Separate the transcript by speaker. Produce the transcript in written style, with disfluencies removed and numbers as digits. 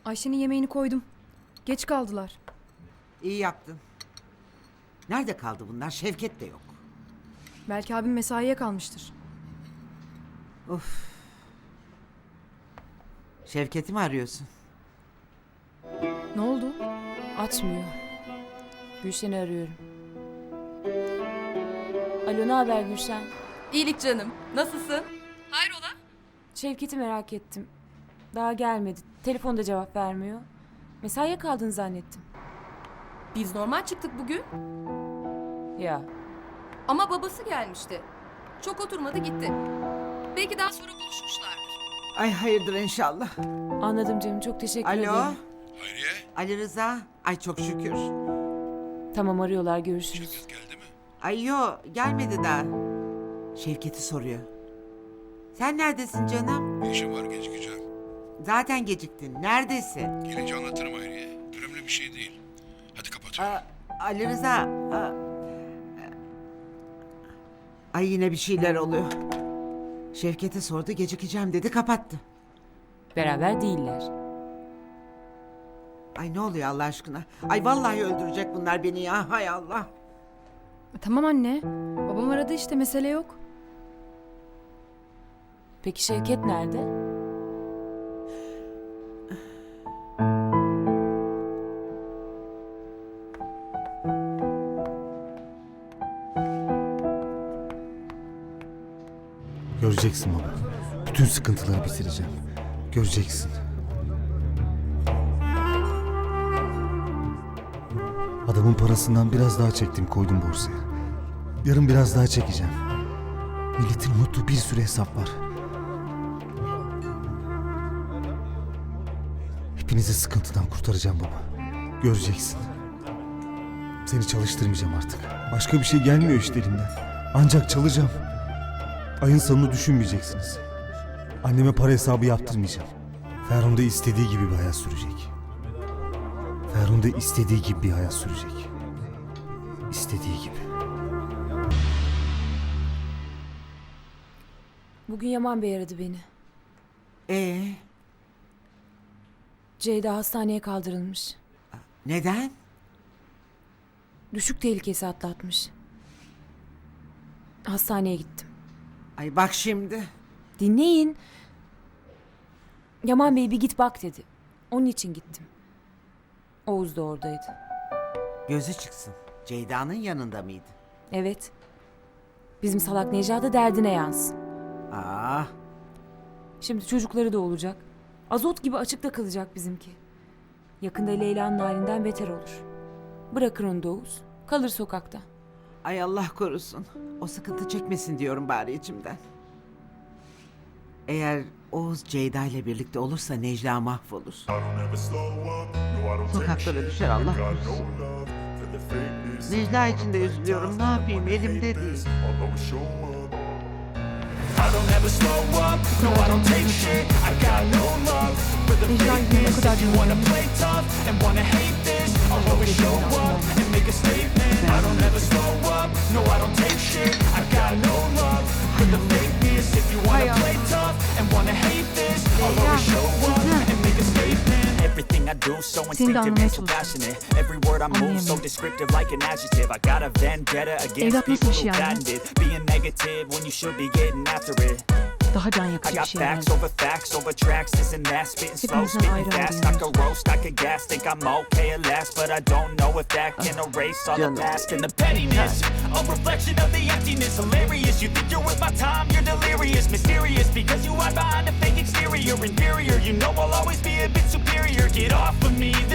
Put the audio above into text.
Speaker 1: Ayşe'nin yemeğini koydum. Geç kaldılar.
Speaker 2: İyi yaptın. Nerede kaldı bunlar? Şevket de yok.
Speaker 1: Belki abim mesaiye kalmıştır.
Speaker 2: Of. Şevket'i mi arıyorsun?
Speaker 1: Ne oldu?
Speaker 3: Açmıyor. Gülşen'i arıyorum. Alo, ne haber Gülşen?
Speaker 4: İyilik canım. Nasılsın? Hayrola?
Speaker 3: Şevket'i merak ettim. Daha gelmedi. Telefonda cevap vermiyor. Mesaiye kaldın zannettim.
Speaker 4: Biz normal çıktık bugün.
Speaker 3: Ya,
Speaker 4: Ama babası gelmişti. Çok oturmadı gitti. Belki daha sonra buluşmuşlardır.
Speaker 2: Ay hayırdır inşallah.
Speaker 3: anladım canım. Çok teşekkür
Speaker 2: Alo.
Speaker 3: ederim.
Speaker 5: Hayriye,
Speaker 2: Ali Rıza. Ay çok şükür.
Speaker 3: Tamam, arıyorlar. Görüşürüz.
Speaker 5: Şevket geldi mi?
Speaker 2: Ay yo gelmedi daha. Şevket'i soruyor. Sen neredesin canım?
Speaker 5: Bir işim var, gecikeceğim.
Speaker 2: Zaten geciktin. Neredesin?
Speaker 5: Gelince anlatırım Hayriye. Önemli bir şey değil. Hadi kapatıyorum.
Speaker 2: Ali Rıza. Ay yine bir şeyler oluyor. Şevket'e sordu gecikeceğim dedi kapattı.
Speaker 3: Beraber değiller.
Speaker 2: Ay ne oluyor Allah aşkına? Ay vallahi öldürecek bunlar beni ya. Hay Allah.
Speaker 1: Tamam anne. Babam aradı işte, mesele yok.
Speaker 3: Peki Şevket nerede?
Speaker 6: Göreceksin baba. Bütün sıkıntıları bitireceğim. Göreceksin. Adamın parasından biraz daha çektim, koydum borsaya. Yarın biraz daha çekeceğim. Milletin unuttuğu bir sürü hesap var. Hepinizi sıkıntıdan kurtaracağım baba. Göreceksin. Seni çalıştırmayacağım artık. Başka bir şey gelmiyor işte elimden. Ancak çalacağım. Ayın sonunu düşünmeyeceksiniz. Anneme para hesabı yaptırmayacağım. Ferhun da istediği gibi bir hayat sürecek. Ferhun da istediği gibi bir hayat sürecek. İstediği gibi.
Speaker 3: Bugün Yaman Bey aradı beni. Ceyda hastaneye kaldırılmış.
Speaker 2: Neden?
Speaker 3: Düşük tehlikesi atlatmış. Hastaneye gittim.
Speaker 2: Ay bak şimdi.
Speaker 3: Dinleyin. Yaman Bey bir git bak dedi. Onun için gittim. Oğuz da oradaydı.
Speaker 2: Gözü çıksın. Ceyda'nın yanında mıydı?
Speaker 3: Evet. Bizim salak Necla da derdine yansın.
Speaker 2: Aa,
Speaker 3: Şimdi çocukları da olacak. Azot gibi açıkta kalacak bizimki. Yakında Leyla'nın halinden beter olur. Bırakır onu da Oğuz. Kalır sokakta.
Speaker 2: ay Allah korusun. O sıkıntı çekmesin diyorum bari içimden. Eğer Oğuz Ceyda ile birlikte olursa Necla mahvolur. Sokaklara düşer Allah korusun. Necla için de üzülüyorum. Ne yapayım elimde değil.
Speaker 1: Necla yüzüne kadar canım.
Speaker 7: Everything I do so
Speaker 1: Seni de
Speaker 7: instinctive
Speaker 1: anlamaya
Speaker 7: and so
Speaker 1: çalışıyorum.
Speaker 7: passionate. Every word I move so descriptive like an adjective. I got a vendetta against
Speaker 1: Evlat nasıl
Speaker 7: people
Speaker 1: bir şey
Speaker 7: who
Speaker 1: yani?
Speaker 7: patented being negative when you should be getting after it.
Speaker 1: Daha can
Speaker 7: I
Speaker 1: yakıcı bir
Speaker 7: got
Speaker 1: şey
Speaker 7: facts
Speaker 1: yani.
Speaker 7: over facts over tracks, this and that, spitting slow,
Speaker 1: Hepimizden
Speaker 7: spitting
Speaker 1: ayrı
Speaker 7: fast.
Speaker 1: ayrı
Speaker 7: I could roast, I could gas, think I'm okay at last, but I don't know if that can erase all the
Speaker 2: Canım.
Speaker 7: past and the pettiness. A reflection of the emptiness, hilarious. You think you're worth my time, you're delirious, mysterious, because you hide behind a fake exterior, inferior. You know I'll always be a bit superior. Get off of me,